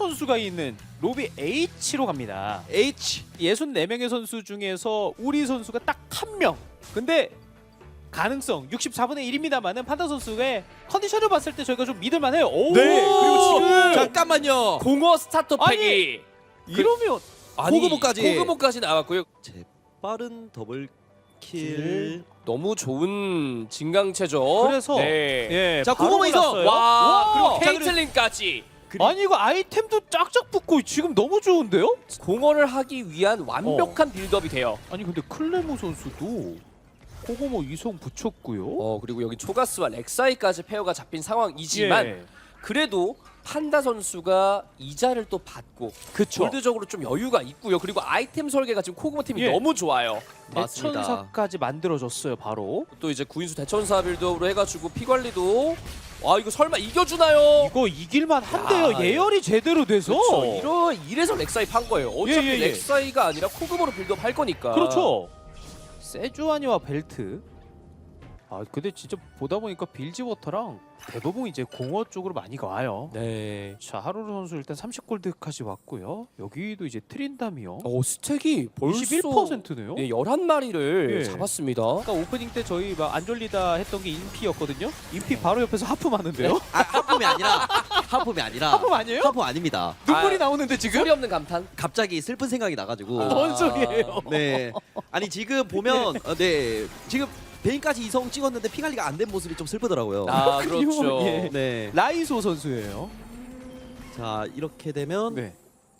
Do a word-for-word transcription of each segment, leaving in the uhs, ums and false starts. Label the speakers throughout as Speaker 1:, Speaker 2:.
Speaker 1: 선수가 있는 로비 H로 갑니다.
Speaker 2: H.
Speaker 1: 예순네 명의 선수 중에서 우리 선수가 딱 한 명. 근데 가능성 육십사분의 일입니다만은 판다 선수의 컨디션을 봤을 때 저희가 좀 믿을만해요. 오!
Speaker 2: 네. 그리고 지금 잠깐만요.
Speaker 3: 공허 스타터 팩이
Speaker 1: 이러면
Speaker 2: 고구모까지.
Speaker 3: 고구모까지 나왔고요.
Speaker 2: 제 빠른 더블 킬.
Speaker 3: 너무 좋은 진강체죠.
Speaker 1: 그래서
Speaker 3: 네.
Speaker 1: 예,
Speaker 2: 자,
Speaker 1: 바로
Speaker 2: 고구모 이성!
Speaker 1: 골랐어요.
Speaker 3: 와,
Speaker 1: 와!
Speaker 3: 그리고 케이틀린까지
Speaker 1: 아니 이거 아이템도 짝짝 붙고 지금 너무 좋은데요?
Speaker 3: 공허를 하기 위한 완벽한 빌드업이 돼요.
Speaker 1: 아니 근데 클레모 선수도 코고모 이성 붙였고요.
Speaker 3: 어 그리고 여기 초가스와 렉사이까지 페어가 잡힌 상황이지만
Speaker 1: 예.
Speaker 3: 그래도 판다 선수가 이자를 또 받고
Speaker 1: 그쵸.
Speaker 3: 골드적으로 좀 여유가 있고요. 그리고 아이템 설계가 지금 코고모 팀이
Speaker 1: 예.
Speaker 3: 너무 좋아요.
Speaker 2: 맞습니다.
Speaker 1: 대천사까지 만들어줬어요 바로.
Speaker 3: 또 이제 구인수 대천사 빌드업으로 해가지고 피 관리도 와 이거 설마 이겨주나요?
Speaker 1: 이거 이길만 한데요.
Speaker 3: 야,
Speaker 1: 예열이 제대로 돼서.
Speaker 3: 그렇죠. 이러 이래서 렉사이 판 거예요. 어차피
Speaker 1: 예, 예, 예.
Speaker 3: 렉사이가 아니라 코그모로 빌드업 할 거니까.
Speaker 1: 그렇죠. 세주아니와 벨트. 아 근데 진짜 보다 보니까 빌지워터랑 대부분 이제 공허 쪽으로 많이 가요.
Speaker 3: 네.
Speaker 1: 자 하루루 선수 일단 삼십 골드까지 왔고요. 여기도 이제 트린다미요.
Speaker 3: 어 스택이 벌써
Speaker 1: 이십일 퍼센트네요.
Speaker 3: 네, 열한 마리를
Speaker 1: 예.
Speaker 3: 잡았습니다.
Speaker 1: 아까 오프닝 때 저희 막 안 졸리다 했던 게 인피였거든요. 인피 바로 옆에서 하품 하는데요.
Speaker 2: 아, 하품이 아니라 하품이 아니라
Speaker 1: 하품 아니에요?
Speaker 2: 하품 아닙니다.
Speaker 1: 눈물이
Speaker 3: 아,
Speaker 1: 나오는데 지금?
Speaker 3: 소리 없는 감탄.
Speaker 2: 갑자기 슬픈 생각이 나가지고.
Speaker 3: 아.
Speaker 1: 뭔 소리예요?
Speaker 2: 네. 아니 지금 보면 어, 네 지금 베인까지 이성 찍었는데 피 관리가 안 된 모습이 좀 슬프더라고요.
Speaker 3: 아 그렇죠.
Speaker 1: 예.
Speaker 2: 네.
Speaker 1: 라이소 선수예요.
Speaker 2: 자 이렇게 되면
Speaker 1: 네.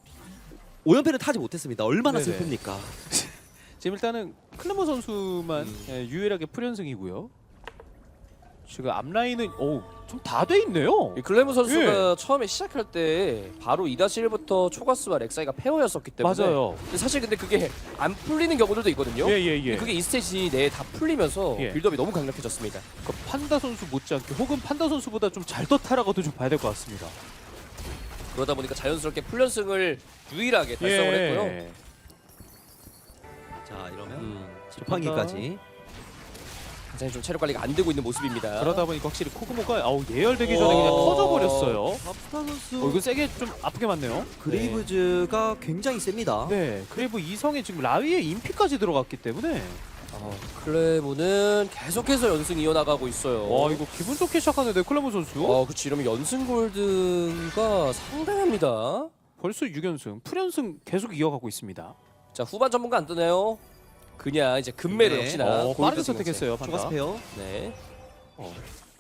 Speaker 2: 오 연패를 타지 못했습니다. 얼마나
Speaker 1: 네네.
Speaker 2: 슬픕니까?
Speaker 1: 지금 일단은 클레모 선수만
Speaker 2: 음.
Speaker 1: 예, 유일하게 풀연승이고요. 지금 앞라인은 좀 다 돼 있네요.
Speaker 3: 이 클레모 선수가
Speaker 1: 예.
Speaker 3: 처음에 시작할 때 바로 이 일부터 초가스와 렉사이가 페어였었기 때문에
Speaker 1: 맞아요.
Speaker 3: 근데 사실 근데 그게 안 풀리는 경우들도 있거든요.
Speaker 1: 예예예.
Speaker 3: 근데 그게 이 스테이지 내에 다 풀리면서
Speaker 1: 예.
Speaker 3: 빌드업이 너무 강력해졌습니다.
Speaker 1: 그러니까 판다 선수 못지않게 혹은 판다 선수보다 좀 잘 떴다라고도 좀 봐야 될 것 같습니다.
Speaker 3: 그러다 보니까 자연스럽게 풀연승을 유일하게 달성을
Speaker 1: 예.
Speaker 3: 했고요.
Speaker 2: 자 이러면
Speaker 3: 음,
Speaker 2: 지팡이까지.
Speaker 3: 굉장히 좀 체력 관리가 안 되고 있는 모습입니다.
Speaker 1: 그러다 보니까 확실히 코그모가 아우 예열되기 전에 그냥
Speaker 3: 오.
Speaker 1: 터져버렸어요.
Speaker 2: 파프타 선수
Speaker 1: 어, 이거 세게 좀 아프게 맞네요.
Speaker 2: 그레이브즈가 굉장히 셉니다.
Speaker 1: 네. 그리고 이성에 지금 라위에 인피까지 들어갔기 때문에
Speaker 3: 어, 클레모는 계속해서 연승 이어나가고 있어요.
Speaker 1: 와 이거 기분 좋게 시작하는데 클레모 선수
Speaker 3: 어, 그렇지. 이러면 연승 골드가 상당합니다.
Speaker 1: 벌써 육 연승, 풀연승 계속 이어가고 있습니다.
Speaker 3: 자, 후반 전문가 안 뜨네요. 그냥 이제 금메달
Speaker 2: 네.
Speaker 3: 역시나
Speaker 1: 어,
Speaker 3: 골드
Speaker 1: 빠르게
Speaker 3: 등록세.
Speaker 1: 선택했어요.
Speaker 2: 추가
Speaker 1: 판다.
Speaker 2: 스페어.
Speaker 3: 네.
Speaker 1: 어.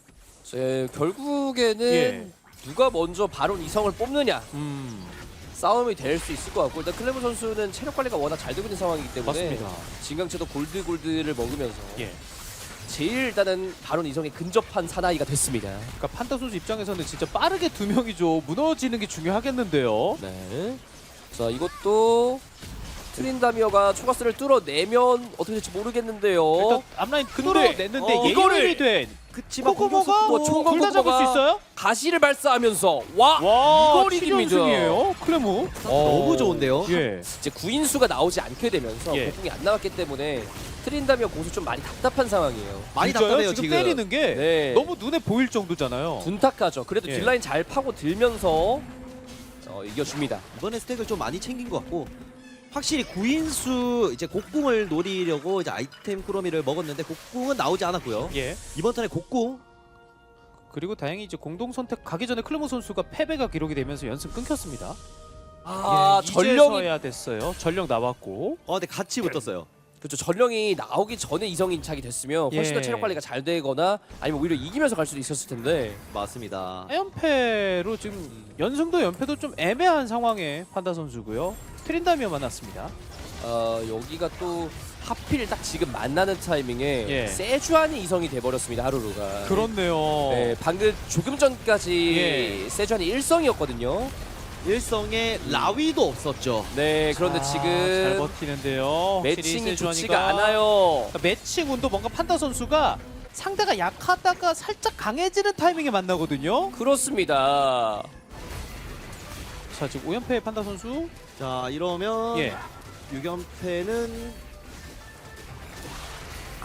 Speaker 3: 제 결국에는
Speaker 1: 예.
Speaker 3: 누가 먼저 바론 이성을 뽑느냐
Speaker 1: 음
Speaker 3: 싸움이 될 수 있을 것 같고 일단 클레모 선수는 체력 관리가 워낙 잘 되고 있는 상황이기 때문에
Speaker 1: 맞습니다.
Speaker 3: 진강체도 골드 골드를 먹으면서
Speaker 1: 예.
Speaker 3: 제일 일단은 바론 이성에 근접한 사나이가 됐습니다.
Speaker 1: 그러니까 판다 선수 입장에서는 진짜 빠르게 두 명이죠. 무너지는 게 중요하겠는데요.
Speaker 3: 네. 자 이것도 트린다미어가 초가스를 뚫어내면 어떻게 될지 모르겠는데요.
Speaker 1: 일단 앞라인
Speaker 3: 근데,
Speaker 1: 뚫어냈는데
Speaker 3: 어,
Speaker 1: 예열이
Speaker 3: 이거를-
Speaker 1: 된
Speaker 2: 그치만
Speaker 1: 코코모가
Speaker 3: 뭐 총각
Speaker 1: 둘 다 잡을 수
Speaker 3: 코코모가-
Speaker 1: 있어요?
Speaker 3: 가시를 발사하면서 와,
Speaker 1: 와
Speaker 3: 이걸 이깁니다.
Speaker 1: 칠연승이에요. 클레모.
Speaker 2: 너무 좋은데요.
Speaker 1: 예.
Speaker 3: 이제 구인수가 나오지 않게 되면서
Speaker 1: 예.
Speaker 3: 곡궁이 안 나왔기 때문에 트린다미어 공수 좀 많이 답답한 상황이에요.
Speaker 2: 많이
Speaker 1: 진짜요?
Speaker 2: 답답해요
Speaker 1: 지금,
Speaker 2: 지금.
Speaker 1: 때리는 게
Speaker 3: 네.
Speaker 1: 너무 눈에 보일 정도잖아요.
Speaker 3: 둔탁하죠. 그래도
Speaker 1: 예.
Speaker 3: 딜라인 잘 파고 들면서 어, 이겨줍니다.
Speaker 2: 이번에 스택을 좀 많이 챙긴 것 같고 확실히 구인수 이제 곡궁을 노리려고 이제 아이템 꾸러미를 먹었는데 곡궁은 나오지 않았고요.
Speaker 1: 예.
Speaker 2: 이번 턴에 곡궁
Speaker 1: 그리고 다행히 이제 공동 선택 가기 전에 클레모 선수가 패배가 기록이 되면서 연승 끊겼습니다.
Speaker 3: 아,
Speaker 1: 예,
Speaker 3: 전령이
Speaker 1: 이제서야 됐어요. 전령 나왔고.
Speaker 2: 어 근데 같이 붙었어요.
Speaker 3: 그렇죠. 전령이 나오기 전에 이성 인착이 됐으면 훨씬 더
Speaker 1: 예.
Speaker 3: 체력 관리가 잘 되거나 아니면 오히려 이기면서 갈 수도 있었을 텐데.
Speaker 2: 맞습니다.
Speaker 1: 연패로 지금 연승도 연패도 좀 애매한 상황에 판다 선수고요. 트린다미어 만났습니다.
Speaker 3: 어, 여기가 또 하필 딱 지금 만나는 타이밍에
Speaker 1: 예.
Speaker 3: 세주안이 이성이 돼버렸습니다. 하루루가.
Speaker 1: 그렇네요.
Speaker 3: 네, 방금 조금 전까지
Speaker 1: 예.
Speaker 3: 세주안이 일성이었거든요.
Speaker 2: 일성에 라위도 없었죠.
Speaker 3: 네, 그런데
Speaker 1: 아, 잘
Speaker 3: 지금
Speaker 1: 버티는데요.
Speaker 3: 매칭이
Speaker 1: 확실히
Speaker 3: 좋지가
Speaker 1: 세주안이가
Speaker 3: 않아요.
Speaker 1: 그러니까 매칭 운도 뭔가 판다 선수가 상대가 약하다가 살짝 강해지는 타이밍에 만나거든요.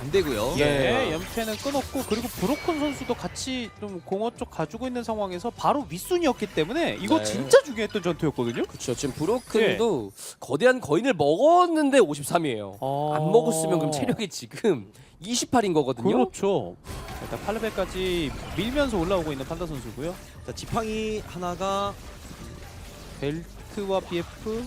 Speaker 2: 안 되고요.
Speaker 3: 예.
Speaker 1: 네, 연패는 끊었고 그리고 브로큰 선수도 같이 좀 공허 쪽 가지고 있는 상황에서 바로 윗순이었기 때문에 이거
Speaker 3: 네.
Speaker 1: 진짜 중요했던 전투였거든요.
Speaker 3: 그렇죠. 지금 브로큰도 거대한 거인을 먹었는데 오십삼이에요.
Speaker 1: 어...
Speaker 3: 안 먹었으면 그럼 체력이 지금 이십팔인 거거든요.
Speaker 1: 그렇죠. 일단 팔 레벨까지 밀면서 올라오고 있는 판다 선수고요.
Speaker 2: 자, 지팡이 하나가
Speaker 1: 벨트와 비에프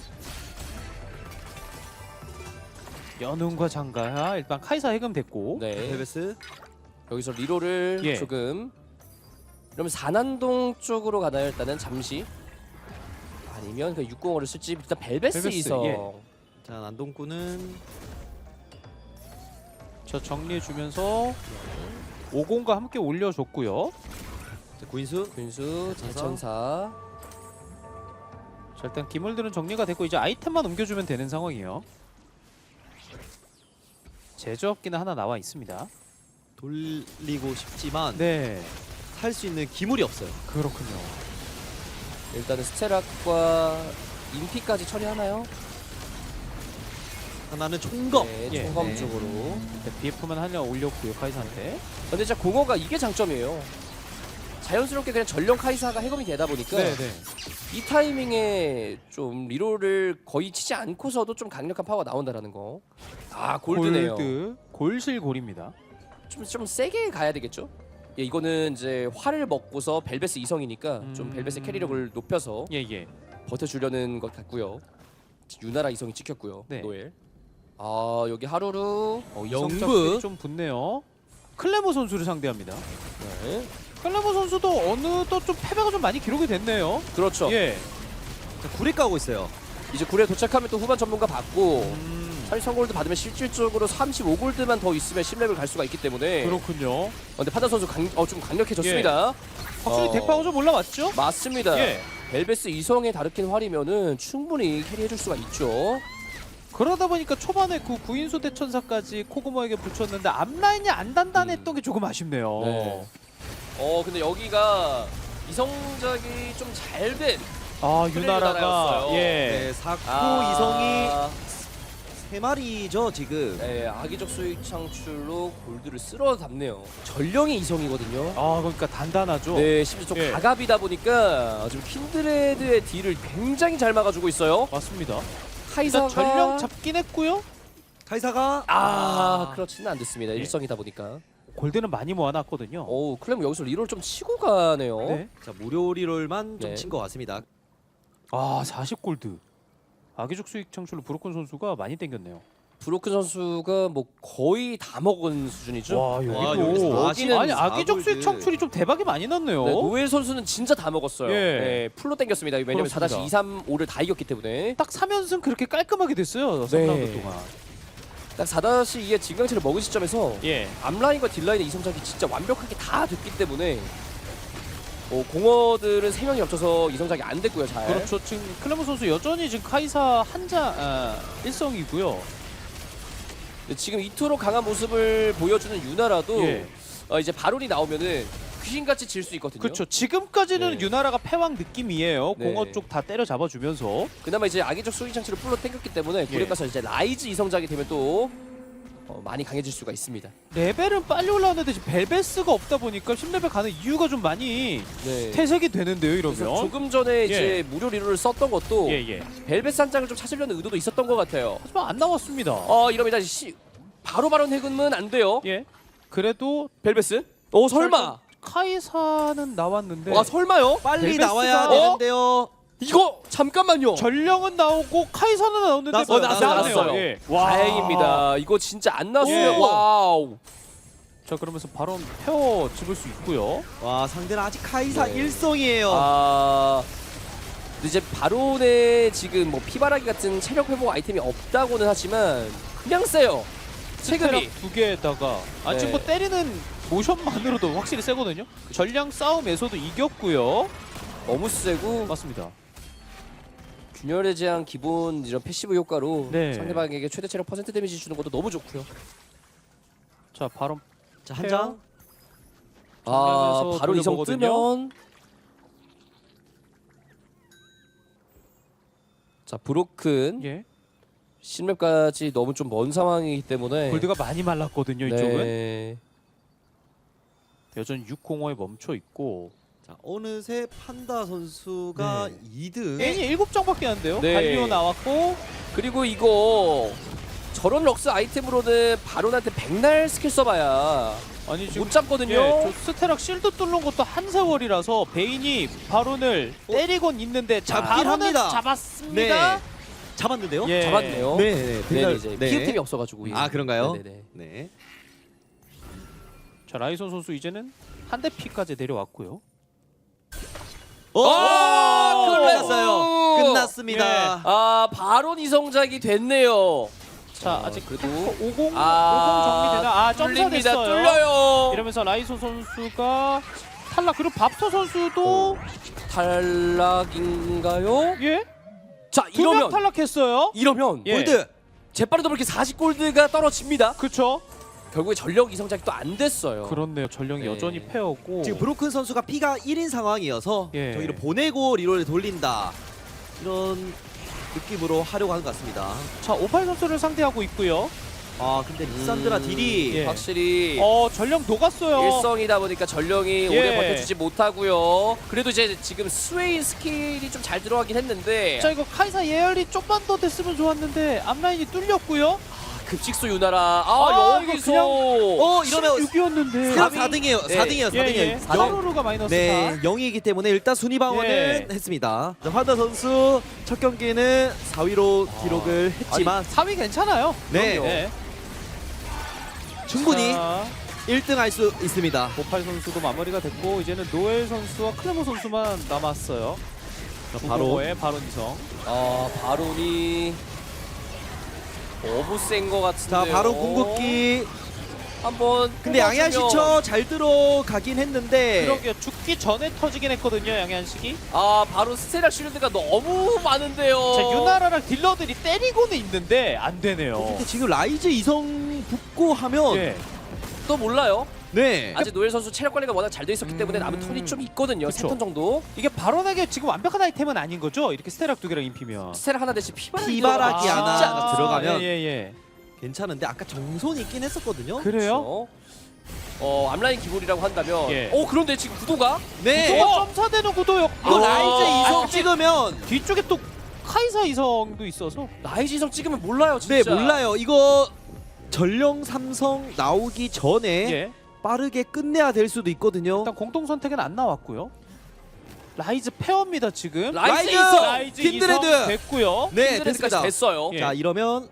Speaker 1: 연운과 장가야 일단 카이사 해금됐고
Speaker 3: 네.
Speaker 2: 벨베스.
Speaker 3: 여기서 리로를
Speaker 1: 예.
Speaker 3: 조금 그러면 산안동 쪽으로 가나요? 일단은 잠시 아니면 그 육공어를 쓸지 일단 벨베스,
Speaker 1: 벨베스,
Speaker 3: 이성
Speaker 1: 예.
Speaker 2: 자, 난동꾼은
Speaker 1: 저 정리해주면서 오공과 함께 올려줬고요.
Speaker 2: 자, 구인수.
Speaker 3: 군수 대천사
Speaker 1: 자, 일단 기물들은 정리가 됐고 이제 아이템만 옮겨주면 되는 상황이에요. 제조업기는 하나 나와 있습니다.
Speaker 2: 돌리고 싶지만
Speaker 1: 네,
Speaker 2: 살 수 있는 기물이 없어요.
Speaker 1: 그렇군요.
Speaker 3: 일단은 스테락과 인피까지 처리하나요?
Speaker 2: 하나는 총검.
Speaker 3: 네,
Speaker 1: 예.
Speaker 3: 총검
Speaker 2: 네.
Speaker 3: 쪽으로.
Speaker 1: 네, 비에프만 하려 올렸고요 카이사한테.
Speaker 3: 근데 진짜 공허가 이게 장점이에요. 자연스럽게 그냥 전령 카이사가 해검이 되다 보니까
Speaker 1: 네, 네.
Speaker 3: 이 타이밍에 좀 리로를 거의 치지 않고서도 좀 강력한 파워가 나온다라는 거. 아 골드네요.
Speaker 1: 골드, 골실 골입니다.
Speaker 3: 좀, 좀 세게 가야 되겠죠? 예, 이거는 이제 활을 먹고서 벨베스 이성이니까 좀
Speaker 1: 음.
Speaker 3: 벨베스 캐리력을 높여서
Speaker 1: 예, 예.
Speaker 3: 버텨주려는 것 같고요. 유나라 이성이 찍혔고요.
Speaker 1: 네.
Speaker 3: 노엘. 아 여기 하루루.
Speaker 2: 어,
Speaker 1: 성적들이
Speaker 2: 영브.
Speaker 1: 좀 붙네요. 클레모 선수를 상대합니다.
Speaker 3: 네.
Speaker 1: 클레모 선수도 어느덧 좀 패배가 좀 많이 기록이 됐네요.
Speaker 3: 그렇죠.
Speaker 1: 예.
Speaker 2: 자, 구레 까고 있어요.
Speaker 3: 이제 굴에 도착하면 또 후반 전문가 받고
Speaker 1: 음,
Speaker 3: 삼십삼 골드 받으면 실질적으로 삼십오 골드만 더 있으면 십 레벨 갈 수가 있기 때문에.
Speaker 1: 그렇군요.
Speaker 3: 어, 근데 판다 선수 강, 어, 좀 강력해졌습니다.
Speaker 1: 확실히
Speaker 3: 어.
Speaker 1: 덱파워 좀 올라왔죠?
Speaker 3: 맞습니다.
Speaker 1: 예.
Speaker 3: 벨베스 이성의 다르킨 활이면은 충분히 캐리해줄 수가 있죠.
Speaker 1: 그러다 보니까 초반에 그 구인수 대천사까지 코그모에게 붙였는데 앞라인이 안 단단했던 게 조금 아쉽네요.
Speaker 3: 네. 어 근데 여기가 이성작이 좀 잘된
Speaker 1: 아
Speaker 3: 플레이
Speaker 1: 유나라가
Speaker 3: 유나라였어요.
Speaker 1: 예.
Speaker 2: 네, 사코
Speaker 3: 아,
Speaker 2: 이성이 세 마리죠 지금.
Speaker 3: 네, 악의적 수익 창출로 골드를 쓸어 담네요. 전령이 이성이거든요.
Speaker 1: 아 그러니까 단단하죠.
Speaker 3: 네, 심지어 좀
Speaker 1: 예.
Speaker 3: 가갑이다 보니까 지금 킨드레드의 딜을 굉장히 잘 막아주고 있어요.
Speaker 1: 맞습니다.
Speaker 3: 카이사가
Speaker 1: 일단 전령 잡긴 했고요.
Speaker 2: 카이사가
Speaker 3: 아, 그렇지는 않됐습니다.
Speaker 1: 예.
Speaker 3: 일성이다 보니까.
Speaker 1: 골드는 많이 모아놨거든요.
Speaker 3: 오, 클램 여기서 리롤 좀 치고 가네요.
Speaker 1: 네.
Speaker 2: 자, 무료 리롤만 좀
Speaker 3: 네.
Speaker 2: 친 것 같습니다.
Speaker 1: 아 사십 골드. 악의적 수익 창출로 브로큰 선수가 많이 땡겼네요.
Speaker 3: 브로큰 선수가 뭐 거의 다 먹은 수준이죠.
Speaker 1: 와
Speaker 2: 와,
Speaker 1: 여기도
Speaker 2: 여기서
Speaker 3: 여기는
Speaker 1: 아니 악의적 수익
Speaker 2: 골드.
Speaker 1: 창출이 좀 대박이 많이 났네요.
Speaker 3: 네, 노엘 선수는 진짜 다 먹었어요.
Speaker 1: 예.
Speaker 3: 네, 풀로 땡겼습니다. 왜냐면 사
Speaker 1: 그렇습니다.
Speaker 3: 이 삼 오를 다 이겼기 때문에.
Speaker 1: 딱 삼 연승 그렇게 깔끔하게 됐어요.
Speaker 3: 네.
Speaker 1: 삼 라운드 동안.
Speaker 3: 딱 사 이의 진강체를 먹은 시점에서
Speaker 1: 예.
Speaker 3: 앞라인과 딜라인의 이성작이 진짜 완벽하게 다 됐기 때문에 어, 공허들은 세 명이 겹쳐서 이성작이 안 됐고요. 잘.
Speaker 1: 그렇죠. 지금 클레모 선수 여전히 지금 카이사 한자 아, 일성이고요.
Speaker 3: 근데 지금 이토록 강한 모습을 보여주는 유나라도
Speaker 1: 예.
Speaker 3: 어, 이제 바론이 나오면은 귀신같이 질 수 있거든요.
Speaker 1: 그렇죠. 지금까지는
Speaker 3: 네.
Speaker 1: 유나라가 패왕 느낌이에요.
Speaker 3: 네.
Speaker 1: 공허 쪽 다 때려 잡아주면서.
Speaker 3: 그나마 이제 악의적 수익 장치를 풀로 땡겼기 때문에
Speaker 1: 예.
Speaker 3: 고래 가서 이제 라이즈 이성작이 되면 또 어, 많이 강해질 수가 있습니다.
Speaker 1: 레벨은 빨리 올라왔는데 지금 벨베스가 없다 보니까 십 레벨 가는 이유가 좀 많이
Speaker 3: 네.
Speaker 1: 퇴색이 되는데요.
Speaker 3: 그래서
Speaker 1: 이러면.
Speaker 3: 조금 전에 이제 무료 리로를 썼던 것도
Speaker 1: 예예.
Speaker 3: 벨벳 한 장을 좀 찾으려는 의도도 있었던 것 같아요.
Speaker 1: 하지만 안 나왔습니다.
Speaker 3: 어 이러면 이제 시, 바로 바로 해금은 안 돼요.
Speaker 1: 예. 그래도
Speaker 3: 벨벳은? 어 설마?
Speaker 1: 카이사는 나왔는데
Speaker 3: 와 설마요?
Speaker 2: 빨리
Speaker 1: 벨베스가-
Speaker 2: 나와야
Speaker 3: 어?
Speaker 2: 되는데요.
Speaker 3: 이거 잠깐만요.
Speaker 1: 전령은 나오고 카이사는 나오는데
Speaker 2: 나왔어요,
Speaker 1: 어,
Speaker 3: 나왔어요,
Speaker 1: 나왔네요.
Speaker 3: 나왔어요.
Speaker 1: 예.
Speaker 3: 다행입니다. 이거 진짜 안 나왔으면
Speaker 1: 예.
Speaker 3: 와우.
Speaker 1: 자 그러면서 바로 태워 집을 수 있고요.
Speaker 2: 와, 상대는 아직 카이사
Speaker 3: 네.
Speaker 2: 일성이에요.
Speaker 3: 아 근데 이제 바론에 지금 뭐 피바라기 같은 체력 회복 아이템이 없다고는 하지만 그냥 세요. 체급이.
Speaker 1: 두 개에다가 아
Speaker 3: 네.
Speaker 1: 지금 뭐 때리는 모션만으로도 확실히 세거든요. 전량 싸움에서도 이겼고요.
Speaker 3: 너무 세고
Speaker 1: 맞습니다.
Speaker 3: 균열의 제한 기본 이런 패시브 효과로
Speaker 1: 네.
Speaker 3: 상대방에게 최대 체력 퍼센트 데미지 주는 것도 너무 좋고요.
Speaker 1: 자 바로
Speaker 2: 자, 한 장.
Speaker 3: 아
Speaker 1: 정면에서
Speaker 3: 바로 이성
Speaker 1: 돌려보거든요.
Speaker 3: 뜨면 자 브로큰
Speaker 1: 예.
Speaker 3: 신맵까지 너무 좀 먼 상황이기 때문에
Speaker 1: 골드가 많이 말랐거든요. 이쪽은
Speaker 3: 네.
Speaker 1: 여전히 육공오에 멈춰 있고
Speaker 2: 자, 어느새 판다 선수가
Speaker 1: 네.
Speaker 2: 이 등.
Speaker 1: N이 일곱 장밖에 안 돼요.
Speaker 3: 네.
Speaker 1: 갈리오 나왔고
Speaker 3: 그리고 이거 저런 럭스 아이템으로는 바론한테 백날 스킬 써봐야
Speaker 1: 아니 지금
Speaker 3: 못 잡거든요.
Speaker 1: 예, 저 스테락 실드 뚫는 것도 한 세월이라서 베인이 바론을 때리곤 있는데 자,
Speaker 2: 잡긴
Speaker 1: 바론은
Speaker 2: 합니다.
Speaker 1: 잡았습니다.
Speaker 2: 네. 잡았는데요?
Speaker 1: 예.
Speaker 3: 잡았네요.
Speaker 2: 네, 네.
Speaker 3: 네,
Speaker 2: 백날-
Speaker 3: 이제
Speaker 2: 네.
Speaker 3: 피해템이 없어가지고.
Speaker 2: 아, 그런가요?
Speaker 3: 네네네.
Speaker 2: 네.
Speaker 1: 자 라이손 선수 이제는 한 대 피까지 내려왔고요.
Speaker 2: 오!
Speaker 3: 아,
Speaker 2: 끝났어요.
Speaker 3: 끝났-
Speaker 2: 끝났습니다.
Speaker 3: 아 바론 이성작이 됐네요.
Speaker 1: 자
Speaker 3: 어,
Speaker 1: 아직
Speaker 3: 그래도
Speaker 1: 오공
Speaker 3: 아,
Speaker 1: 오공 정리되나? 아 점사
Speaker 3: 뚫립니다.
Speaker 1: 됐어요.
Speaker 3: 뚫려요.
Speaker 1: 이러면서 라이손 선수가 탈락. 그리고 밥소 선수도
Speaker 3: 탈락인가요?
Speaker 1: 예?
Speaker 3: 자
Speaker 1: 두 명
Speaker 3: 이러면
Speaker 1: 탈락했어요.
Speaker 3: 이러면
Speaker 1: 예.
Speaker 2: 골드.
Speaker 3: 재빠르도 그렇게 사십 골드가 떨어집니다.
Speaker 1: 그렇죠.
Speaker 3: 결국에 전력 이성작이 또 안 됐어요.
Speaker 1: 그렇네요. 전령이
Speaker 3: 네.
Speaker 1: 여전히 패였고
Speaker 2: 지금 브로큰 선수가 피가 일인 상황이어서
Speaker 1: 예.
Speaker 2: 저기를 보내고 리롤을 돌린다. 이런 느낌으로 하려고 하는 것 같습니다.
Speaker 1: 자 오팔 선수를 상대하고 있고요.
Speaker 2: 아, 근데 리산드라
Speaker 3: 음,
Speaker 2: 딜이
Speaker 1: 예.
Speaker 3: 확실히
Speaker 1: 어 전령 녹았어요.
Speaker 3: 일성이다 보니까 전령이
Speaker 1: 예.
Speaker 3: 오래 버텨주지 못하고요. 그래도 이제 지금 스웨인 스킬이 좀 잘 들어가긴 했는데
Speaker 1: 자 이거 카이사 예열이 좀만 더 됐으면 좋았는데 앞라인이 뚫렸고요.
Speaker 3: 급식소 유나라 아,
Speaker 1: 아, 이거
Speaker 3: 여기서
Speaker 1: 그냥-
Speaker 2: 어, 이러면
Speaker 1: 십육이었는데
Speaker 2: 그럼 사 등이에요.
Speaker 3: 네.
Speaker 2: 사 등이에요. 사 등이에요.
Speaker 1: 예, 예. 사로루가 마이너스
Speaker 2: 네,
Speaker 1: 사.
Speaker 2: 영이기 때문에 일단 순위 방어는
Speaker 1: 예.
Speaker 2: 했습니다. 자, 환다 선수 첫 경기는 사 위로 기록을 했지만
Speaker 1: 삼 위 괜찮아요.
Speaker 2: 네,
Speaker 3: 그럼요.
Speaker 1: 네.
Speaker 2: 충분히
Speaker 1: 자,
Speaker 2: 일 등 할 수 있습니다.
Speaker 1: 오팔 선수도 마무리가 됐고 이제는 노엘 선수와 클레모 선수만 남았어요.
Speaker 2: 자,
Speaker 1: 바로
Speaker 2: 바로
Speaker 1: 의 바론 이성.
Speaker 3: 아 바론이 너무 센 거 같은데요.
Speaker 2: 자, 바로 궁극기.
Speaker 3: 한번
Speaker 2: 근데 양양 시처 잘 들어가긴 했는데
Speaker 1: 그러게요. 죽기 전에 터지긴 했거든요. 양현식이.
Speaker 3: 아 바로 스테락 쉴드가 너무 많은데요.
Speaker 1: 자 유나라랑 딜러들이 때리고는 있는데 안 되네요.
Speaker 2: 근데 지금 라이즈 이성 붙고 하면
Speaker 1: 예.
Speaker 3: 또 몰라요.
Speaker 2: 네.
Speaker 3: 아직 노엘 선수 체력 관리가 워낙 잘 돼 있었기 때문에 남은
Speaker 1: 음.
Speaker 3: 턴이 좀 있거든요.
Speaker 1: 그쵸.
Speaker 3: 세 턴 정도.
Speaker 1: 이게 바론에게 지금 완벽한 아이템은 아닌 거죠? 이렇게 스테락 두 개랑 인피면.
Speaker 3: 스테락 하나 대신 피바라기
Speaker 2: 피바라기
Speaker 3: 들어가면
Speaker 2: 하나
Speaker 3: 진짜
Speaker 2: 들어가면
Speaker 1: 예, 예, 예.
Speaker 2: 괜찮은데 아까 정손이 있긴 했었거든요.
Speaker 1: 그래요?
Speaker 3: 그렇죠. 어 암라인 기본이라고 한다면
Speaker 1: 예.
Speaker 3: 어 그런데 지금 구도가
Speaker 2: 네.
Speaker 1: 또 점사되는 구도였고
Speaker 2: 이거 라이즈
Speaker 3: 아,
Speaker 2: 이성
Speaker 1: 아,
Speaker 2: 찍으면
Speaker 1: 뒤쪽에 또 카이사 이성도 있어서
Speaker 3: 라이즈 이성 찍으면 몰라요 진짜.
Speaker 2: 네, 몰라요. 이거 전령 삼성 나오기 전에
Speaker 1: 예.
Speaker 2: 빠르게 끝내야 될 수도 있거든요.
Speaker 1: 일단 공동 선택은 안 나왔고요. 라이즈 페어입니다 지금.
Speaker 3: 라이즈
Speaker 2: 라이즈!
Speaker 3: 이성
Speaker 1: 라이즈
Speaker 2: 킨드레드!
Speaker 1: 이성 됐고요.
Speaker 2: 네,
Speaker 3: 킨드레스까지
Speaker 2: 됐습니다.
Speaker 3: 됐어요.
Speaker 1: 예.
Speaker 2: 자, 이러면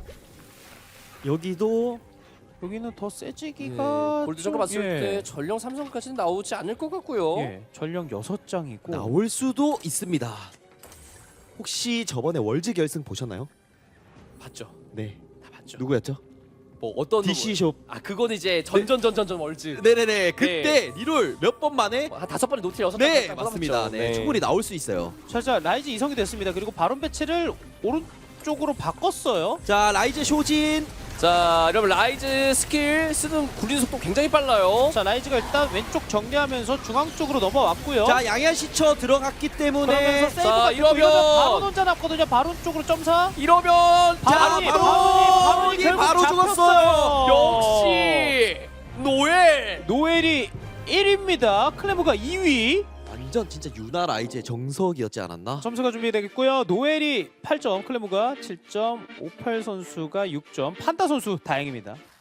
Speaker 2: 여기도
Speaker 1: 여기는 더
Speaker 3: 네,
Speaker 1: 세지기가
Speaker 3: 골드적으로
Speaker 1: 좀-
Speaker 3: 봤을
Speaker 1: 예.
Speaker 3: 때 전령 삼성까지는 나오지 않을 것 같고요.
Speaker 1: 예. 전령 여섯 장이고
Speaker 2: 나올 수도 있습니다. 혹시 저번에 월즈 결승 보셨나요?
Speaker 3: 봤죠.
Speaker 2: 네.
Speaker 3: 다 봤죠.
Speaker 2: 누구였죠?
Speaker 3: 뭐 어떤
Speaker 2: 디씨숍.
Speaker 3: 아 그거는 이제 전전전전전 월즈.
Speaker 2: 네네네. 그때 리롤 몇 번 만에
Speaker 3: 한 다섯 번에 노틸 여섯
Speaker 2: 네,
Speaker 3: 번
Speaker 2: 맞습니다. 네, 충분히 나올 수 있어요.
Speaker 1: 자, 자 라이즈 이성이 됐습니다. 그리고 바론 배치를 오른쪽으로 바꿨어요.
Speaker 2: 자, 라이즈 쇼진.
Speaker 3: 자, 여러분 라이즈 스킬 쓰는 굴리는 속도 굉장히 빨라요.
Speaker 1: 자 라이즈가 일단 왼쪽 정리하면서 중앙 쪽으로 넘어왔고요.
Speaker 2: 자, 양양 시처 들어갔기 때문에
Speaker 1: 그러면서 세이브가
Speaker 3: 자,
Speaker 1: 됐고
Speaker 3: 이러면-
Speaker 1: 이러면 바론 혼자 남거든요. 바론 쪽으로 점사.
Speaker 3: 이러면
Speaker 2: 자,
Speaker 1: 바론이
Speaker 2: 바로
Speaker 1: 바론이 바론이 결국
Speaker 2: 바로
Speaker 1: 잡혔어요.
Speaker 2: 죽었어요.
Speaker 3: 역시 노엘.
Speaker 1: 노엘이 일 위입니다. 클레모가 이 위.
Speaker 2: 완전 진짜 유나 라이즈의 정석이었지 않았나?
Speaker 1: 점수가 준비되겠고요. 노엘이 팔 점, 클레모가 칠 점, 오팔 선수가 육 점, 판다 선수 다행입니다.